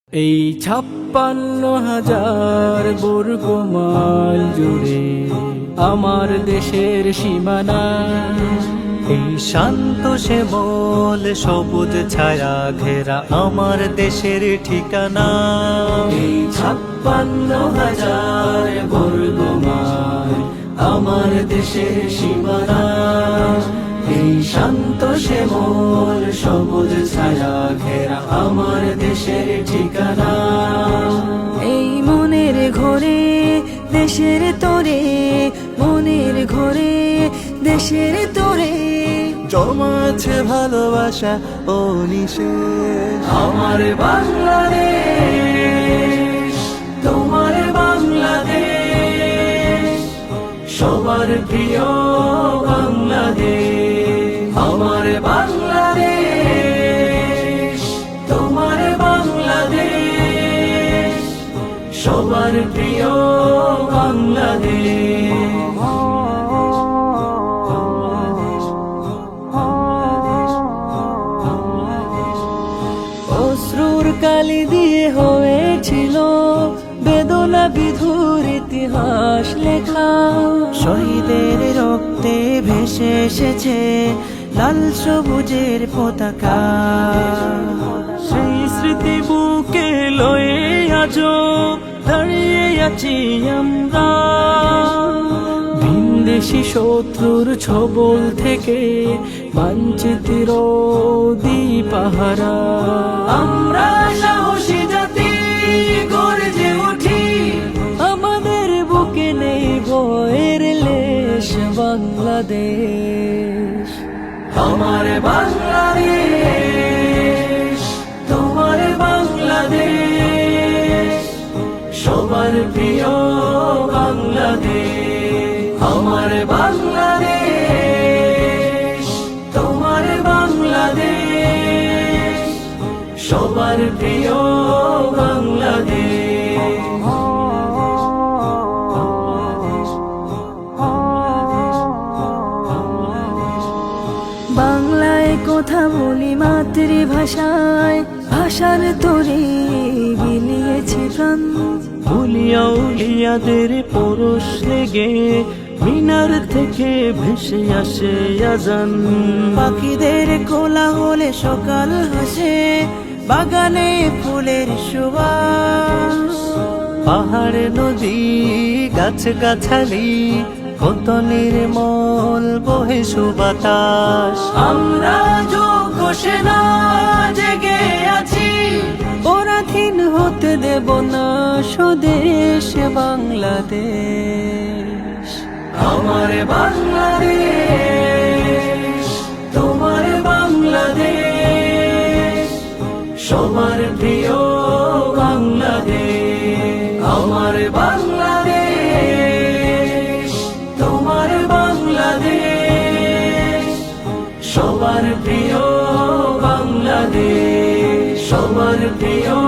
এই 56,000 বর্গ মাইল জুড়ে আমার দেশের সীমানা, এই শান্ত শ্যামল সবুজ ছায়া ঘেরা আমার দেশের ঠিকানা। এই 56,000 বর্গ মাইল আমার দেশের সীমানা, এই শান্ত শ্যামল সবুজ ছায়া ঘেরা আমার দেশের ঠিকানা। এই মনের ঘরে দেশের তোরে, মনের ঘরে দেশের তোরে জমা আছে ভালোবাসা ও নিশেষ। আমার বাংলাদেশ, তোমার বাংলাদেশ, সবার প্রিয় বাংলাদেশ। আমার বাংলাদেশ, তোমার বাংলাদেশ, সবার প্রিয় বাংলাদেশ। অশ্রুর কালি দিয়ে হয়েছিল বেদনা বিধুর ইতিহাস লেখা। শহীদের রক্তে ভেসে এসেছে লাল সবুজের পতাকা। সেই স্মৃতি বুকে লয়ে আজো দাঁড়িয়ে আছি আমরা, ভিনদেশি শত্রুর ছবল থেকে বাঞ্ছিতের দিপাহারা। আমরা সাহসী জাতি গর্জে উঠি, আমাদের বুকে নেই ভয়ের লেশ। বাংলাদেশ, আমার বাংলাদেশ, তোমার বাংলাদেশ, সবার প্রিয় বাংলাদেশ। আমার বাংলাদেশ, তোমার বাংলাদেশ, সবার প্রিয় বাংলাদেশ। বাংলায় কথা বলি মাতৃভাষায়, ভাষার তোরে বিলিয়েছি প্রাণ। উলিয়া উলিয়াদের পরশ লেগে মিনার থেকে ভেসে আসে আজান। পাখিদের কোলাহলে সকাল হাসে, বাগানে ফুলের সুবাস। পাহাড় নদী গাছ গাছালি কত নির্মল বহে সুবাতাস। আমরা যোগ্য সেনা জেগে আছি, পরাধীন হতে দেব না স্বদেশ বাংলাদেশ। আমার বাংলাদেশ, তোমার বাংলাদেশ, সবার প্রিয় বাংলাদেশ। আমার বাংলাদেশ, তোমার বাংলাদেশ, সবার প্রিয় বাংলাদেশ, সবার প্রিয়